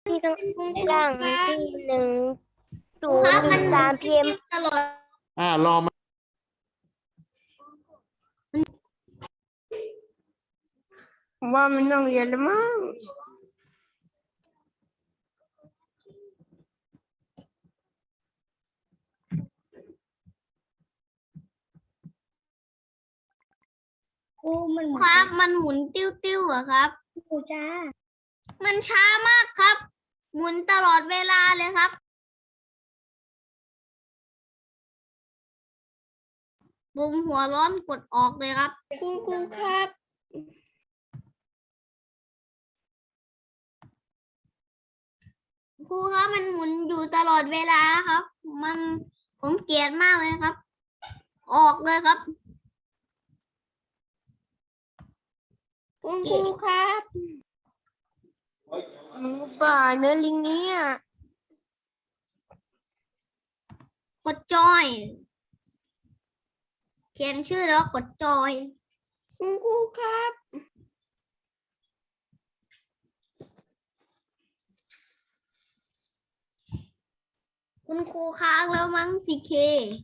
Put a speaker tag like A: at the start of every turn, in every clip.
A: ที่ต้อง
B: คุณครู
A: หลัง
B: คะ
A: ที่1
B: ครับมัน
A: 0 3 PM
B: ตลอด
C: รอมา
A: ผมว่ามันต้องเรียนแล้วมั้งครูมัน
B: ครับมันหมุนติ้วๆอะครับ
A: ครูจ้า
B: มันช้ามากครับ หมุนตลอดเวลาเลยครับบุมหัวร้อนกดออกเลยครับ
A: คุณครูครับ
B: ครูครับมันหมุนอยู่ตลอดเวลาครับ มันผมเกลียดมากเลยครับ ออกเลยครับ
A: คุณครูครับหนูป่าเนื้อลิงเนี่ย
B: กดจอย เขียนชื่อแล้วกดจอย
A: คุณครูครับ
B: คุณครูค้างแล้วมั้งสิเค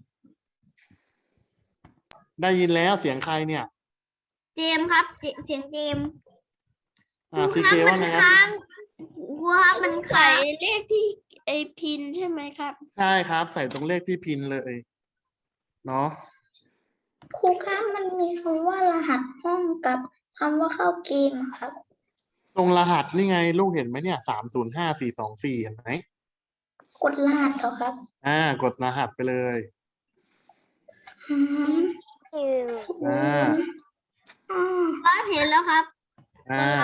C: ได้ยินแล้วเสียงใครเนี่ย
B: เจมส์ครับเสียงเจมส์ครู
C: ซี
B: ครั
C: เค
B: บ
C: ว่า
B: มัน
C: ไงครับ
B: ค้างครูครับมัน
A: ใส่
B: ค้าง
A: เลขที่ไอพินใช่ไหมครับ
C: ใช่ครับ ใส่ตรงเลขที่พินเลยเนาะ
D: ครูคะมันมีคำว่ารหัสห้องกับคำว่าเข้าเกมอะครับ
C: ตรงรหัสนี่ไงลูกเห็นไหมเนี่ย305424เห็นไหม
D: กดรหัสเหรอครับ
C: กดรหัสไปเลย
D: อืม
C: อ่า
B: ครับเห็นแล้วครับ
C: อ่า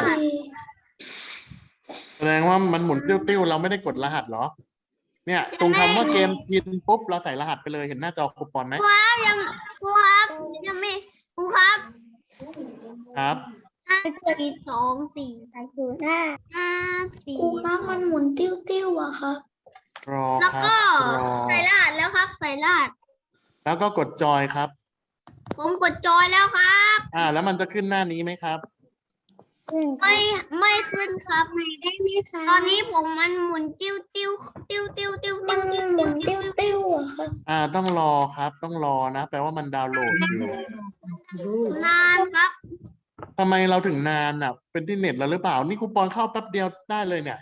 C: แสดงว่ามันหมุนติ้วๆเราไม่ได้กดรหัสเหรอ เนี่ย ตรงคำว่าเกมพินปุ๊บเราใส่รหัสไปเลยเห็นหน้าจอคูปองไหม
B: ครูครับครูครับยังไม่ครูครับ
C: ครับ
B: 5 4 2 4 5
D: ครูคะ
B: 4
D: มันหมุนติ้วๆอะครับ
C: รอ
B: แล้ว
C: ครั
B: ก็
C: บรอ
B: ใส่รหัสแล้วครับ ใส่รหัส
C: แล้วก็กดจอยครับ
B: ผมกดจอยแล้วครับ
C: แล้วมันจะขึ้นหน้านี้ไหมครับ
B: ไม่ขึ้นครับไม่ได้ไหมคะตอนนี้ผมมันหมุนติ้วติ้วติ้วติ้วติ้ว
D: มันหมุนติ้วๆอะครับ
C: ต้องรอครับ ต้องรอนะ แปลว่ามันดาวน์โหลดอยู่
B: นานครับ
C: ทำไมเราถึงนานอ่ะ เป็นที่เน็ตเราหรือเปล่า นี่คูปองเข้าแป๊บเดียวได้เลยเนี่ย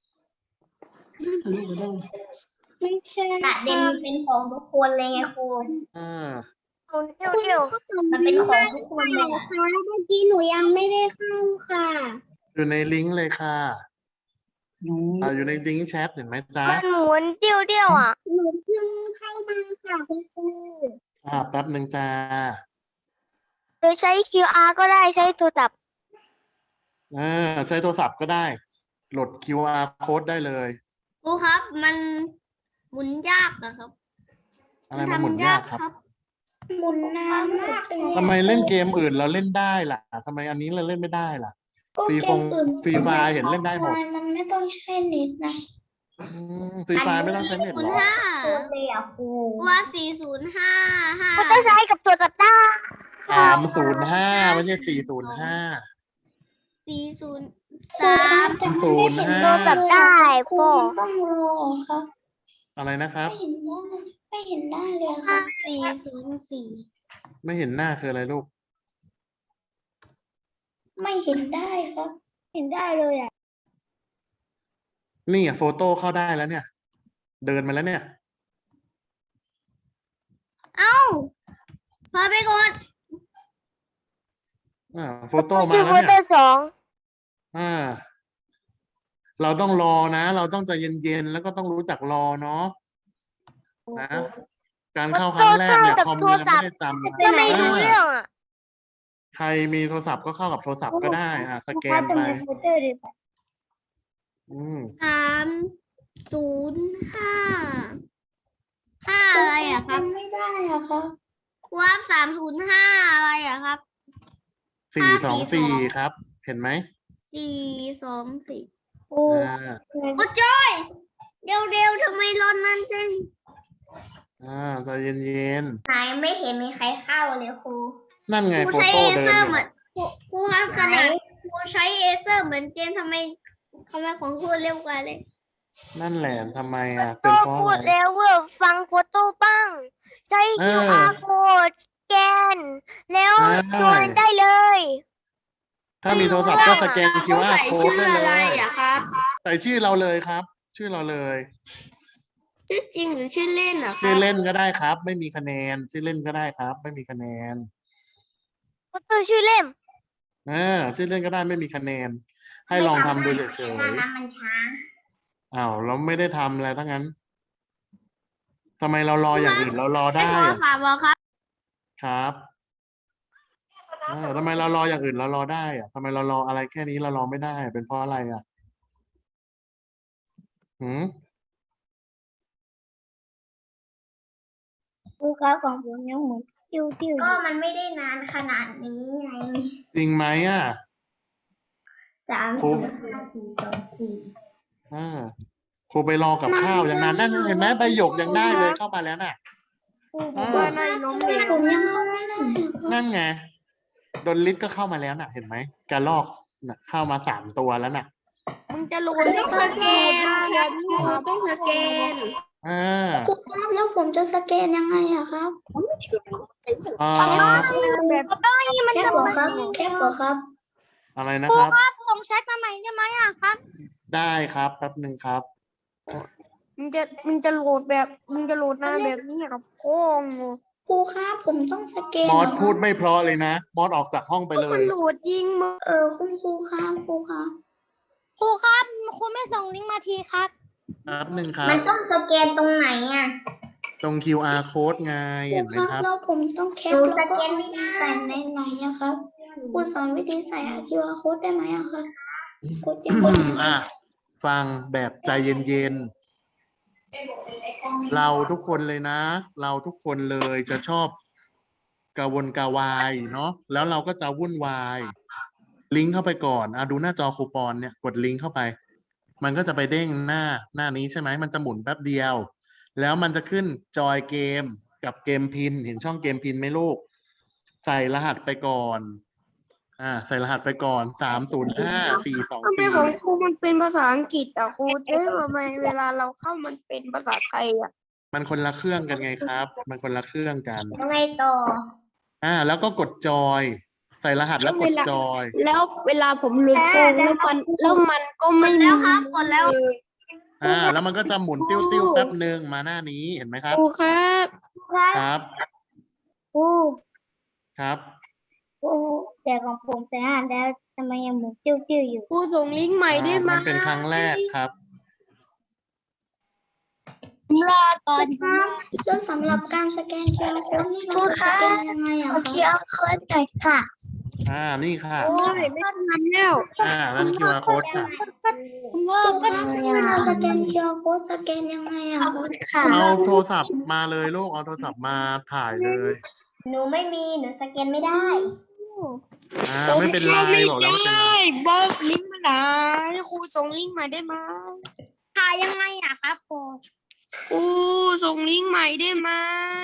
D: ไม่ใช่
B: ประเด็นเป็นของทุกคนเลยไงครู
C: อ่า
B: มันเป็นของทุกคนเลยอะ
D: เมื่อกี้หนูยังไม่ได้เข้าค่ะ
C: อยู่ในลิงก์เลยค่ะอยู่ในลิงก์แชทเห็นไหมจ๊ะ
A: มันหมุนเตี้ยวๆอ่ะ
D: หนูเพิ่งเข้ามาค่ะคุณครู
C: แป๊บหนึ่งจ้า
A: โดยใช้ QR ก็ได้ใช้โทรศัพท์
C: ใช้โทรศัพท์ก็ได้ โหลด QR code ได้เลย
B: ครูครับ มันหมุนยากอะครับ
C: อะไรมันหมุนยากครับ
D: หมุนนานมากเลย
C: ทำไมเล่นเกมอื่นเราเล่นได้ล่ะทำไมอันนี้เราเล่นไม่ได้ล่ะ
D: ก็
C: ฟรี
D: เก
C: ฟ
D: ม
C: ง
D: อื่น
C: ฟรีไฟล์เห็นเล่นได้หมด
D: มันไม่ต้องใช้เน็ตนะ
C: ฟรีไฟล์ไม่ต้องใช้เน็ตหรอ
B: 5
D: เลยอ่ะครู
B: ว่า405
A: ก็ต้องใช้กับโทรศัพท์ได้
C: 305ไม่ใช่405
B: 403
D: แต่มัน
C: ศู
D: ไม่
C: นย์
D: เห็น
C: ห้า
A: โทรศัพท์ได้
D: ครู
A: ก็
D: มันต้องรอครับ
C: อะไรนะครับ
D: ไม่เห็นได้เลยค่ะ
B: 404
C: ไม่เห็นหน้าคืออะไรลูก
D: ไม่เห็นได้ครับ
A: เห็นได้เลยอ่ะ
C: นี่โฟโต้เข้าได้แล้วเนี่ย เดินมาแล้วเนี่ย
B: เอ้าพอไปกด
C: โฟโต้มา
A: ชื่อ
C: แล้ว
A: โฟ
C: เนี่ย
A: โต้2
C: เราต้องรอนะ เราต้องใจเย็นๆแล้วก็ต้องรู้จักรอเนาะนะการเข้าครั้งแรกเนี่ยคอมยังไม่ได้จำนะ
A: ก็ไม่รู้เรื่องอ่ะ
C: ใครมีโทรศัพท์ก็เข้ากับโทรศัพท์ก็ได้สแกนไป
B: 305อะไรอะครับ
D: ทำไม่ได้อะครับ
B: ครับ305อะไรอะครับ
C: 424ครับ เห็นไหม
B: 424
C: อ่า
B: กดจอยเร็วๆทำไมรอนนั่นจัง
C: ใจเย็น
B: ไหนไม่เห็นมีใครเข้าเลยครู
C: ๆนั่นไง
B: ครู
C: โฟ
B: ใช้
C: โต้
B: เอ
C: เดิ
B: เซ
C: น
B: อ
C: อ
B: ร์
C: ยู่
B: เหมือนครูครับขนาดครูใช้เอเซอร์เหมือนเจมส์ทำไมทำไมผมพูดเร็วกว่าเลย
C: นั่นแหละทำไมอ่ะ
A: โต้
C: เป็นเพราะ
A: พู
C: อะไร
A: ดแล้วว่าฟังโฟโต้บ้างใช้
C: เออ
A: QR code สแกนแล้ว
C: ใช่
A: โอนได้เลย
C: ถ้ามีโทรศัพท์ก็สแกน
E: ต้อง
C: QR
E: ใส่
C: code
E: ชื่อ
C: ได้
E: อะ
C: เล
E: ไร
C: ย
E: อะครับ
C: ใส่ชื่อเราเลยครับ ชื่อเราเลย
E: ชื่อจริงหรือชื่อเล่นอะค
C: ชื่
E: รั
C: อบ เล่นก็ได้ครับ ไม่มีคะแนน ชื่อเล่นก็ได้ครับ ไม่มีคะแนน
A: โฟโต้ชื่อเล่ม
C: ชื่อเล่นก็ได้ไม่มีคะแนน ให้ลองทำดูเฉย
B: น้ำมันช้า
C: ๆอ้าวเราไม่ได้ทำอะไรทั้งนั้นทำไมเรารออย่างอื่นเรารอได้
B: โทร
C: อะ
B: ศัพท์เหรอครับ
C: ครับทำไมเรารออย่างอื่นเรารอได้อะทำไมเรารออะไรแค่นี้เรารอไม่ได้เป็นเพราะอะไรอ่ะหืม
A: ครูครับของผมยังหมุนติ้ว
B: ก็มันไม่ได้นานขนาดนี้ไง
C: จริงไหมอ่ะ
B: 3 0 5 4 2 4
C: ครูไปรอกับข้าวอย่างนั้นนั่นเห็นไหมใบหยกยังได้เลยเข้ามาแล้วน่ะ
E: ครูบอกว่าในล้มเหลว
D: ผมยังเข้าไม่ได้อะครับ
C: นั่นไงดนลิศก็เข้ามาแล้วน่ะ เห็นไหมกระลอกน่ะเข้ามา3 ตัวแล้วน่ะ
E: มึงจะโหลดต้องสแกนครับครูต้องสแกน
C: อ่า
D: ครูครับแล้วผมจะสแกนยังไงอะครับ
C: อ่า
D: แคปเหรอครับแคปเหรอครับ
C: อะไรนะครับ
A: ส่งแชทมาใหม่ได้ไหมอ่ะครับ
C: ได้ครับแป๊บหนึ่งครับ
E: มึงจะโหลดหน้าแบบนี้ครับโค้ง
D: ครูครับผมต้องสแกน
C: มอส
D: เหรครับ
C: พูดไม่เพราะเลยนะมอสออกจากห้องไปเล
E: มั
C: ย
E: นโหลดยิงมึง
D: คุณครูครับครูครับ
A: ครูครับครูไม่ส่งลิงก์มาทีครับ
C: แป๊บหนึ่งครั
B: มั
C: บ
B: นต้องสแกนตรงไหนอ่ะ
C: ตรง QR code ไง
D: ครู
C: เห็นไหม
D: ครับ
C: ครับ
D: แล้วผมต้องแคป
B: หนู
D: แล้วก็
B: สแกน
D: เอา
B: ไม่ได้
D: ใส่ในไหนอะครับครูสอนวิธีใส่QR code ได้ไหมอะครับกดยังไง
C: อ่ะฟังแบบใจเย็นๆ เราทุกคนเลยนะ เราทุกคนเลยจะชอบกระวนกระวายเนาะแล้วเราก็จะวุ่นวาย ลิงก์เข้าไปก่อนดูหน้าจอคูปองเนี่ยกดลิงก์เข้าไป มันก็จะไปเด้งหน้านี้ใช่ไหมมันจะหมุนแป๊บเดียว แล้วมันจะขึ้นจอยเกมกับเกมพินเห็นช่องเกมพินไหมลูก ใส่รหัสไปก่อน ใส่รหัสไปก่อน
E: ทำไมของครูมันเป็นภาษาอังกฤษอ่ะครูเจ๊ทำไมเวลาเราเข้ามันเป็นภาษาไทยอ่ะ
C: มันคนละเครื่องกันไงครับ มันคนละเครื่องกัน
B: ยังไงต่อ
C: แล้วก็กดจอย ใส่รหัสแล้วกดจอย
E: แล้วเวลาผมหลุดโฟงแล้วมันก็ไม่
B: แล้
E: มี
B: วครับกดแล้ว
E: เลย
C: แล้วมันก็จะหมุนติ้วๆแป๊บหนึ่งมาหน้านี้เห็นไหมครับ
E: ครูครับ
C: ครับ
A: ครู
C: ครับ
A: ครูแต่ของผมแต่อ่านแล้วทำไมยังหมุนติ้วอยู่
E: ครูส่งลิงก์ใหม่ได้ไหม
C: มันเป็นครั้งแรกครับ
A: รอก่อนครับ
D: แล้วสำหรับการสแกน QR code นี่เราจะสแกนยังไงอะ
A: โอ
D: ค
A: เครับ เอาโค้ดหน่อยค่ะ
C: นี่ค่ะ
E: โอ้ยไม่ทันแล้ว
C: นั่น QR code ค่ะ
A: เลิก
D: ครูครับเวลาสแกน QR code สแกนยังไงอะครับ
A: ค่ะ
C: เอาโทรศัพท์มาเลยลูก เอาโทรศัพท์มาถ่ายเลย
B: หนูไม่มี หนูสแกนไม่ได้
C: ไม่เป็นไรบอกแล้วไม่เป็นไร
E: บอกลิงก์มาไหนครูส่งลิงก์ใหม่ได้ไหม
A: ถ่ายยังไงอ่ะครับครู
E: ครูส่งลิงก์ใหม่ได้ไหม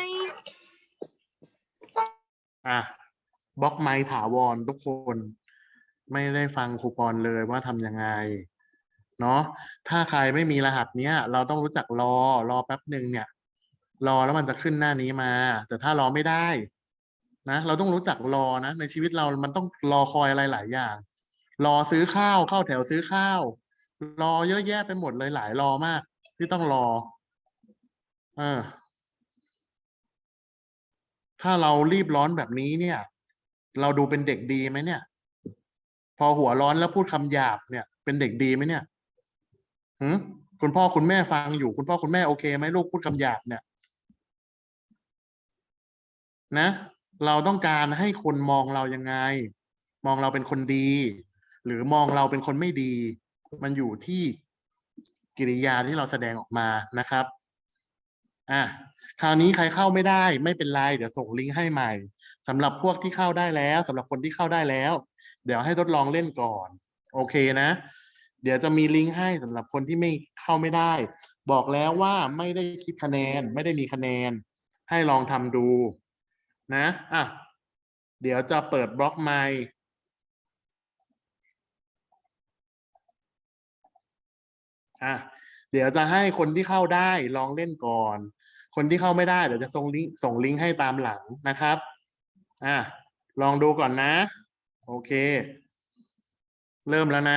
C: บล็อกไมค์ถาวรทุกคน ไม่ได้ฟังครูปอนเลยว่าทำยังไง เนาะถ้าใครไม่มีรหัสเนี้ย เราต้องรู้จักรอแป๊บหนึ่งเนี่ย รอแล้วมันจะขึ้นหน้านี้มา แต่ถ้ารอไม่ได้นะเราต้องรู้จักรอนะในชีวิตเรามันต้องรอคอยอะไรหลายอย่าง รอซื้อข้าวเข้าแถวซื้อข้าว รอเยอะแยะไปหมดเลยหลายรอมาก ที่ต้องรอถ้าเรารีบร้อนแบบนี้เนี่ย เราดูเป็นเด็กดีไหมเนี่ย พอหัวร้อนแล้วพูดคำหยาบเนี่ย เป็นเด็กดีไหมเนี่ยคุณพ่อคุณแม่ฟังอยู่คุณพ่อคุณแม่โอเคไหมลูกพูดคำหยาบเนี่ยนะเราต้องการให้คนมองเรายังไง มองเราเป็นคนดี หรือมองเราเป็นคนไม่ดี มันอยู่ที่กิริยาที่เราแสดงออกมานะครับคราวนี้ใครเข้าไม่ได้ไม่เป็นไรเดี๋ยวส่งลิงก์ให้ใหม่สำหรับพวกที่เข้าได้แล้วสำหรับคนที่เข้าได้แล้ว เดี๋ยวให้ทดลองเล่นก่อนโอเคนะเดี๋ยวจะมีลิงก์ให้สำหรับคนที่ไม่เข้าไม่ได้บอกแล้วว่าไม่ได้คิดคะแนนไม่ได้มีคะแนนให้ลองทำดูนะเดี๋ยวจะเปิดบล็อกไมค์อ่ะเดี๋ยวจะให้คนที่เข้าได้ลองเล่นก่อน คนที่เข้าไม่ได้เดี๋ยวจะส่งลิงก์ให้ตามหลังนะครับอ่ะลองดูก่อนนะ โอเค เริ่มแล้วนะ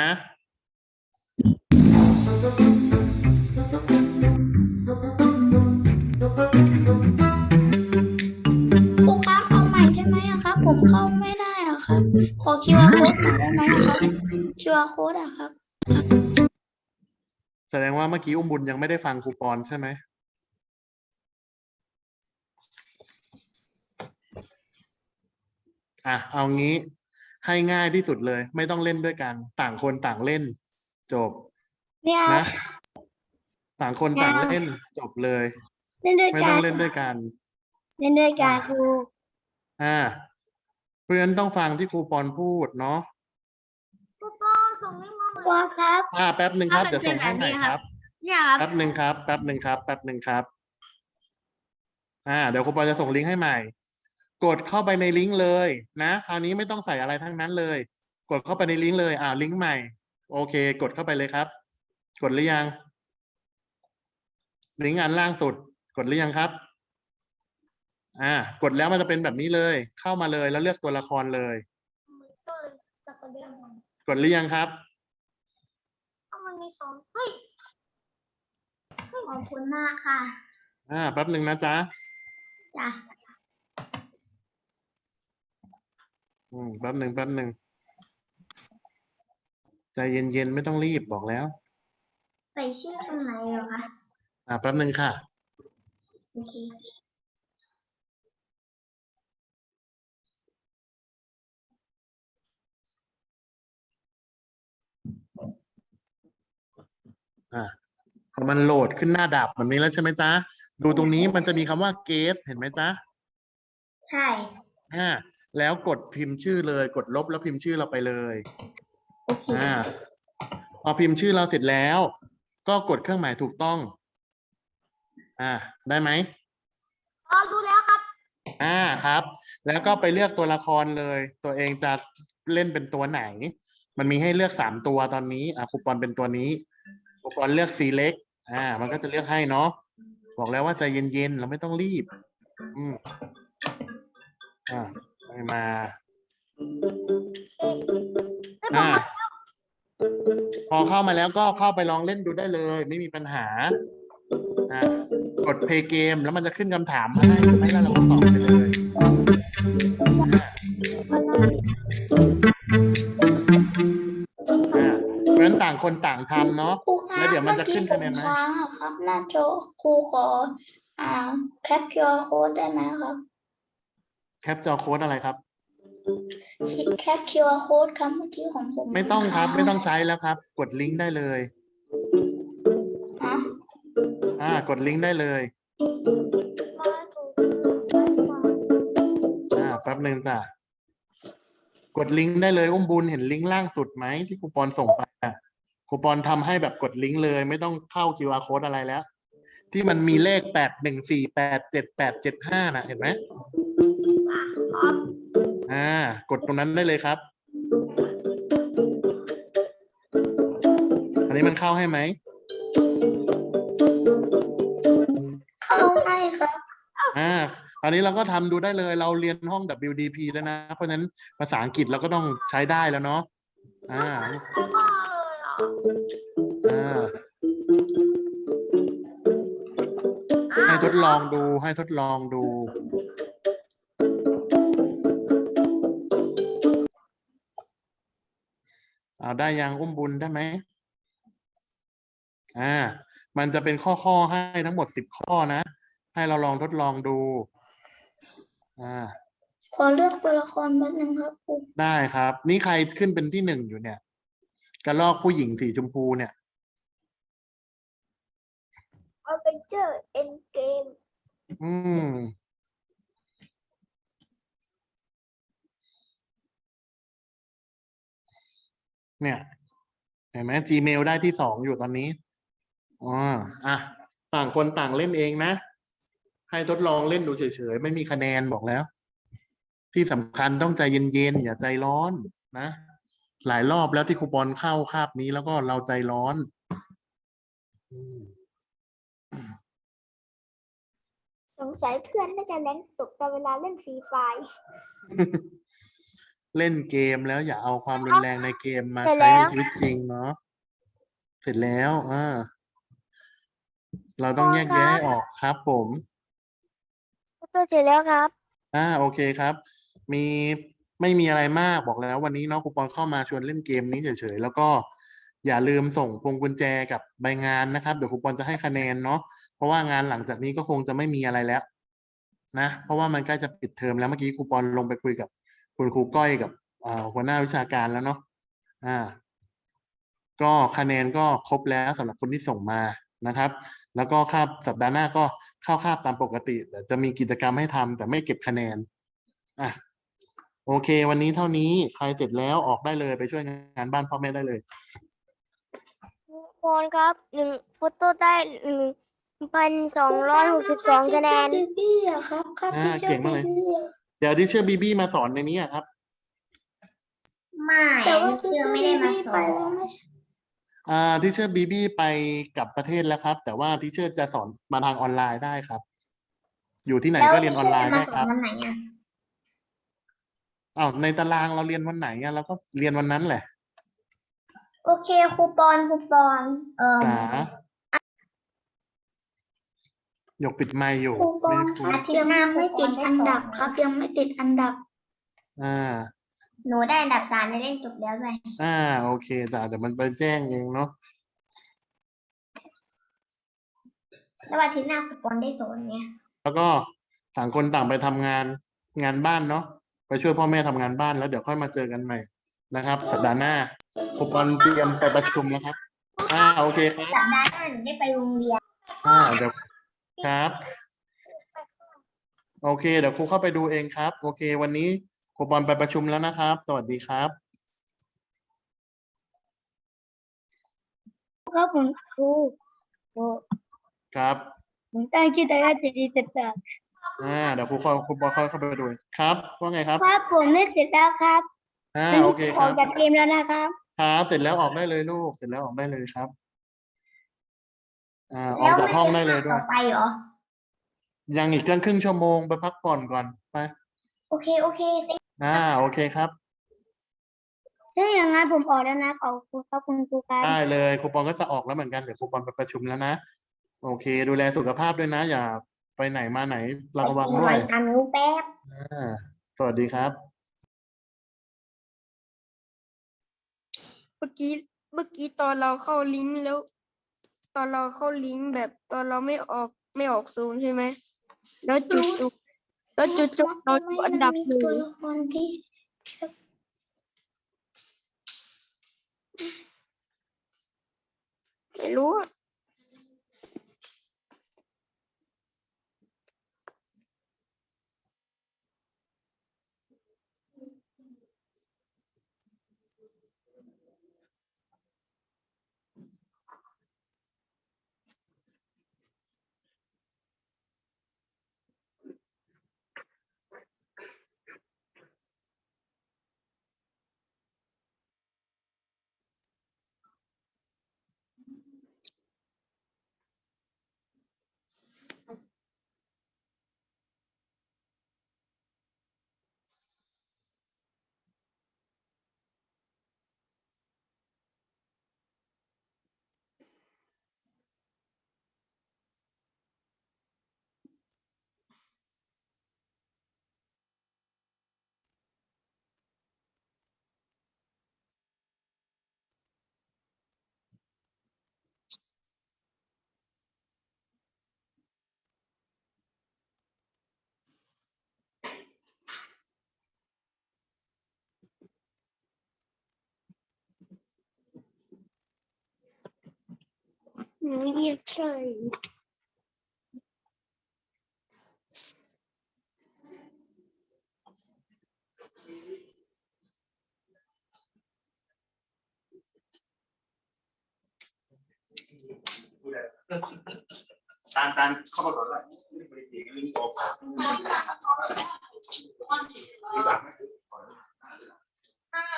D: ครูครับเอาใหม่ได้ไหมอะครับ ผมเข้าไม่ได้อะครับ ขอ QR code หน่อยได้ไหมอะครับ QR code อะครับ
C: แสดงว่าเมื่อกี้อุ้มบุญยังไม่ได้ฟังครูปอนใช่ไหมอ่ะเอางี้ให้ง่ายที่สุดเลย ไม่ต้องเล่นด้วยกัน ต่างคนต่างเล่น จบ
A: เนี่ย
C: นะ ต่างคนต่างเล่นจบเลย
A: เล่นด้วย
C: ไม่
A: กั
C: ต้อง
A: น
C: เล่นด้วยกัน
A: เล่นด้วยกันครู
C: เพราะฉะนั้นต้องฟังที่ครูปอนพูดเนาะ
B: ครูปอนส่งลิงก์มาใหม่
A: ครูครับ
C: แป๊บหนึ่งครับเดี๋ยวส่งให้ใหม่ครับ
B: เนี่ยครับ
C: แป๊บหนึ่งครับแป๊บหนึ่งครับแป๊บหนึ่งครับ เดี๋ยวครูปอนจะส่งลิงก์ให้ใหม่ กดเข้าไปในลิงก์เลยนะคราวนี้ไม่ต้องใส่อะไรทั้งนั้นเลย กดเข้าไปในลิงก์เลยลิงก์ใหม่ โอเค กดเข้าไปเลยครับ กดหรือยังลิงก์อันล่างสุด กดหรือยังครับกดแล้วมันจะเป็นแบบนี้เลย เข้ามาเลยแล้วเลือกตัวละครเลย กดหรือยังครับ
B: มันมีสองเฮ้ย
D: ขอบคุณมากค่ะ
C: แป๊บหนึ่งนะจ๊ะ
D: จ้ะ
C: แป๊บหนึ่งใจเย็นๆไม่ต้องรีบบอกแล้ว
D: ใส่ชื่อตรงไหนเหรอคะ
C: แป๊บหนึ่งค่ะ
D: โอเค
C: พอมันโหลดขึ้นหน้าดับแบบนี้แล้วใช่ไหมจ๊ะ ดูตรงนี้มันจะมีคำว่า get เห็นไหมจ๊ะ
D: ใช่
C: แล้วกดพิมพ์ชื่อเลย กดลบแล้วพิมพ์ชื่อเราไปเลย
D: โอเค
C: พอพิมพ์ชื่อเราเสร็จแล้ว ก็กดเครื่องหมายถูกต้อง ได้ไหม
B: ดูแล้วครับ
C: ครับ แล้วก็ไปเลือกตัวละครเลย ตัวเองจะเล่นเป็นตัวไหน มันมีให้เลือก3ตัวตอนนี้ครูปอนเป็นตัวนี้ครูปอนเลือก select มันก็จะเลือกให้เนาะ บอกแล้วว่าใจเย็นๆเราไม่ต้องรีบไปมาพอเข้ามาแล้วก็เข้าไปลองเล่นดูได้เลย ไม่มีปัญหากด play game แล้วมันจะขึ้นคำถามมาให้ใช่ไหมแล้วเราก็ตอบไปเลยเพราะฉะนั้นต่างคนต่างทำเนาะ
D: ครูคะ
C: แล้วเดี๋ยวมันจะขึ้นคะแนนไหม
D: เมื่อกี้ผมค้างอะครับ หน้าจอครูขอแคป QR code ได้ไหมครับ
C: แคปจอโค้ดอะไรครับ
D: แคป QR code ครับเมื่อกี้ของผม
C: ไม่ต้องครับ
D: ค้าง
C: ไม่ต้องใช้แล้วครับ กดลิงก์ได้เลย กดลิงก์ได้เลยแป๊บหนึ่งจ้ะกดลิงก์ได้เลยอุ้มบุญเห็นลิงก์ล่างสุดไหมที่ครูปอนส่งไปครูปอนทำให้แบบกดลิงก์เลย ไม่ต้องเข้า QR code อะไรแล้ว ที่มันมีเลข81487875เห็นไหมกดตรงนั้นได้เลยครับ อันนี้มันเข้าให้ไหม
D: เข้าให้ครับ
C: ตอนนี้เราก็ทำดูได้เลย เราเรียนห้อง WDP แล้วนะ เพราะฉะนั้นภาษาอังกฤษเราก็ต้องใช้ได้แล้วเนาะให้ทดลองดูให้ทดลองดูได้ยังอุ้มบุญได้ไหมมันจะเป็นข้อให้ทั้งหมด10 ข้อนะ ให้เราลองทดลองดู
D: ขอเลือกตัวละครแป๊บนึงครับครู
C: ได้ครับ นี่ใครขึ้นเป็นที่1อยู่เนี่ย กระรอกผู้หญิงสีชมพูเนี่ย
B: Adventure End Game
C: เนี่ยเห็นไหม Gmail ได้ที่2อยู่ตอนนี้ต่างคนต่างเล่นเองนะ ให้ทดลองเล่นดูเฉยๆไม่มีคะแนนบอกแล้ว ที่สำคัญต้องใจเย็นๆอย่าใจร้อนนะหลายรอบแล้วที่ครูปอนเข้าคาบนี้แล้วก็เราใจร้อนอืม
A: สงสัยเพื่อนน่าจะแรงตกตอนเวลาเล่นฟรีไฟร์
C: เล่นเกมแล้วอย่าเอาความรุนแรงในเกมมา
A: เสร็จ
C: ใช้
A: แล้
C: ใน
A: ว
C: ชีวิตจริงเนาะเสร็จแล้วเราต้องแยกแยะให้ออกครับผม
A: ตัวเสร็จแล้วครับ
C: โอเคครับ มีไม่มีอะไรมากบอกแล้ววันนี้เนาะครูปอนเข้ามาชวนเล่นเกมนี้เฉยๆแล้วก็อย่าลืมส่งพวงกุญแจกับใบงานนะครับเดี๋ยวครูปอนจะให้คะแนนเนาะเพราะว่างานหลังจากนี้ก็คงจะไม่มีอะไรแล้วนะเพราะว่ามันใกล้จะปิดเทอมแล้วเมื่อกี้ครูปอนลงไปคุยกับคุณครูก้อยกับหัวหน้าวิชาการแล้วเนาะก็คะแนนก็ครบแล้วสำหรับคนที่ส่งมานะครับ แล้วก็คาบสัปดาห์หน้าก็เข้าคาบตามปกติแต่จะมีกิจกรรมให้ทำแต่ไม่เก็บคะแนนโอเค วันนี้เท่านี้ใครเสร็จแล้วออกได้เลยไปช่วยงานบ้านพ่อแม่ได้เลย
A: คนครับ1ฟุตโต้ได้1,262 คะแนน
D: บีบี้อะครับที่เจอ
C: เก่ง
D: บี
C: มากเลย
D: บี้อะ
C: เดี๋ยวที่เชื่อบีบี้มาสอนในนี้ครับ
B: ไม่
D: แต่ว่าที่
B: เชื่อ
D: เจอ
B: ไม่
D: บี
B: ได้มา
D: บี้
B: ส
D: ไป
B: อน
D: แล้วไม่ใช่
C: ที่เชื่อบีบี้ไปกลับประเทศแล้วครับ แต่ว่าที่เชื่อจะสอนมาทางออนไลน์ได้ครับ อยู่ที่ไหน
B: แล้ว
C: ก็เรียนออนไลน์
B: ที่
C: ได้
B: เชื่อจะ
C: ครั
B: มา
C: บ
B: สอนวันไหนอ่ะ
C: ในตารางเราเรียนวันไหนเราก็เรียนวันนั้นแหละ
B: โอเคครูปอน
C: จ๋าหยกปิดไมค์อยู่
D: ครูปอน
C: ไม่ได้
D: ค
C: พู
D: รั
C: ด
D: บยังไม่ติดอันดับครับ ยังไม่ติดอันดับ
B: หนูได้อันดับ3ในเล่นจบแล้วด้วย
C: โอเคจ้ะเดี๋ยวมันไปแจ้งเองเนาะ
B: แล้ววันที่หน้าครูปอนได้สอนไง
C: แล้วก็ต่างคนต่างไปทำงานบ้านเนาะไปช่วยพ่อแม่ทำงานบ้านแล้วเดี๋ยวค่อยมาเจอกันใหม่นะครับ สัปดาห์หน้าครูปอนเตรียมไปประชุมแล้วครับโอเคครับ
B: สัปดาห์หน้าหนูได้ไปโรงเรียน
C: เดี๋ยวครับ โอเคเดี๋ยวครูเข้าไปดูเองครับ โอเค วันนี้ครูปอนไปประชุมแล้วนะครับ สวัสดีครับ
A: ครับผมครู
C: ครับ
A: ผมตั้งชื่อแต่ว่าจะดีจัดจ้ะ
C: เดี๋ยวครูปอนเข้าไปดูครับว่าไงครับ
A: ครับผมเล่นเสร็จแล้วครับ
C: โอเค
A: อ
C: ค
A: อ
C: รั
A: ก
C: บ
A: จากเกมแล้วนะครับ
C: ครับเสร็จแล้วออกได้เลยลูกเสร็จแล้วออกได้เลยครับออ
B: แล้
C: ก
B: ว
C: จาก
B: ไม่
C: ห้อง
B: มี
C: ได้เลย
B: ภาค
C: ด้
B: ต่
C: ว
B: อย ไปเหรอ
C: ยังอีกครึ่งชั่วโมงไปพักผ่อนก่อนไป
B: โอเคโอเค
C: โอเคครับ
A: ถ้าอย่างนั้นผมออกแล้วนะขอบคุณครับคุณครูครับ
C: ได้เลยครูปอนก็จะออกแล้วเหมือนกันเดี๋ยวครูปอนไปประชุมแล้วนะโอเค ดูแลสุขภาพด้วยนะ อย่าไปไหนมาไหนระวัง
B: ไปกิน
C: ด้
B: ห
C: ว
B: อย ยทางนู้นแป๊บ
C: สวัสดีครับ
E: เมื่อกี้ตอนเราเข้าลิงก์แล้ว ตอนเราเข้าลิงก์แบบตอนเราไม่ออกซูมใช่ไหมแล้วจุดเราอยู่อันดับ
D: มี
E: หนึ่
D: ตัว
E: ง
D: ละครที่
E: ไม่รู้อะหนูเรียกใส่
C: การเข้ามาก่อนเลยไม่ได้ตีกันลิงก์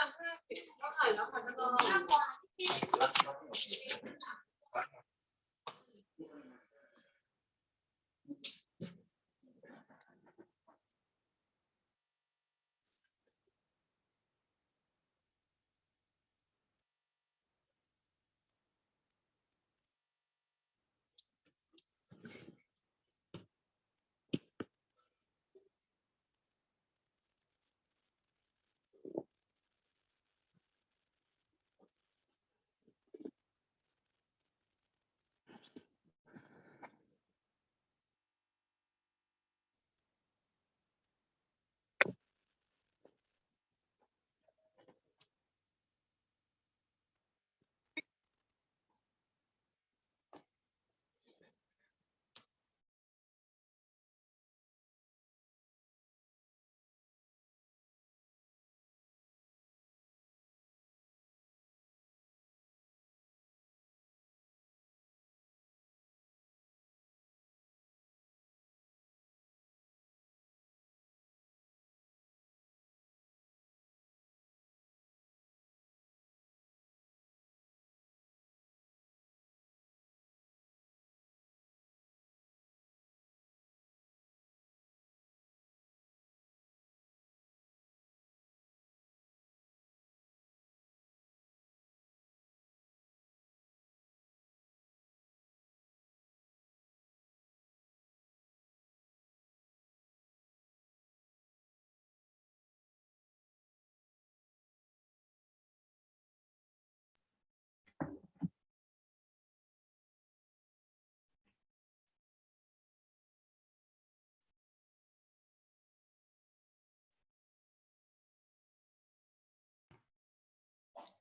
C: ออก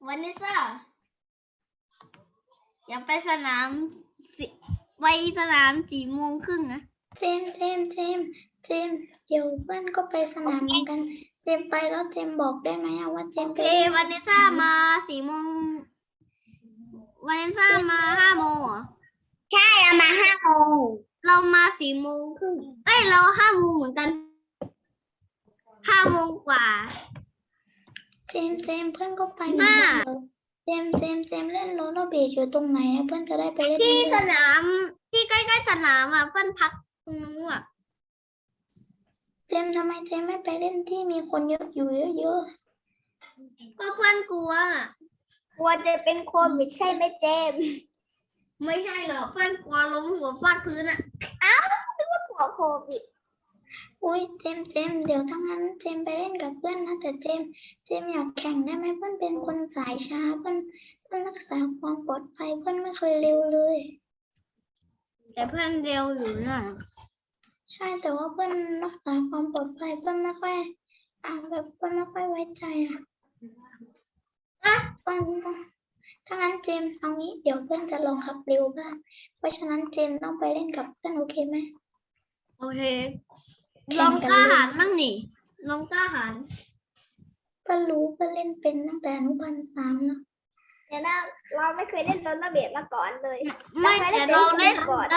B: วันนี้ซ่าอย่าไปสนามสิไปสนาม4:30นะ
D: เจมส์เดี๋ยวเพื่อนก็ไปสนามเหมือนกัน เจมส์ไปแล้วเจมส์บอกได้ไหมอะว่าเจมส์
B: โอ
D: ไป
B: เค
D: เล่น
B: วันนี้ซ่ามา4:00วันนี้ซ่ามา5:00เหรอ
A: ใช่เอามา5 โมง
B: เรามา4:30เอ้ยเรา5:00เหมือนกัน5:00กว่า
D: เจมส์เพื่อนก็ไปเหมือนกันเหรอเจมส์เล่นโรลเลอร์เบลอยู่ตรงไหนอะเพื่อนจะได้ไปเล่น
B: ที่
D: ด้วย
B: สนามที่ใกล้ๆสนามอ่ะเพื่อนพักตรงนู้นอ่ะ
D: เจมส์ทำไมเจมส์ไม่ไปเล่นที่มีคนเยอะอยู่เยอะ
B: ก็เพื่อนกลัวอะ
A: กลัวจะเป็นโควิดใช่ไหมเจมส์
B: ไม่ใช่หรอกเพื่อนกลัวล้มหัวฟาดพื้นอ่ะ
A: กลัวโควิด
D: ๆอุ้ยเจมส์เดี๋ยวถ้างั้นเจมส์ไปเล่นกับเพื่อนนะแต่เจมส์อยากแข่งได้ไหมเพื่อนเป็นคนสายช้าเพื่อนรักษาความปลอดภัยเพื่อนไม่เคยเร็วเลย
B: แต่เพื่อนเร็วอยู่นะ
D: ใช่แต่ว่าเพื่อนรักษาความปลอดภัยเพื่อนไม่ค่อยแบบเพื่อนไม่ค่อยไว้ใจเพื่อนถ้างั้นเจมส์เอางี้เดี๋ยวเพื่อนจะลองขับเร็วบ้างเพราะฉะนั้นเจมส์ต้องไปเล่นกับเพื่อนโอเคไหม
B: โอเค
D: แข่
B: ลอง ง
D: กัน
B: กล้า
D: เลย
B: หาญมั่งนี่ลองกล้าหาญ
D: เพื่อนรู้เพื่อนเล่นเป็นตั้งแต่อนุบาล3นะ
A: เดี๋ยวนะเราไม่เคยเล่นโรลเลอร์เบลมาก่อนเลย
B: ไม่แต่เราเล่น
A: ก่อน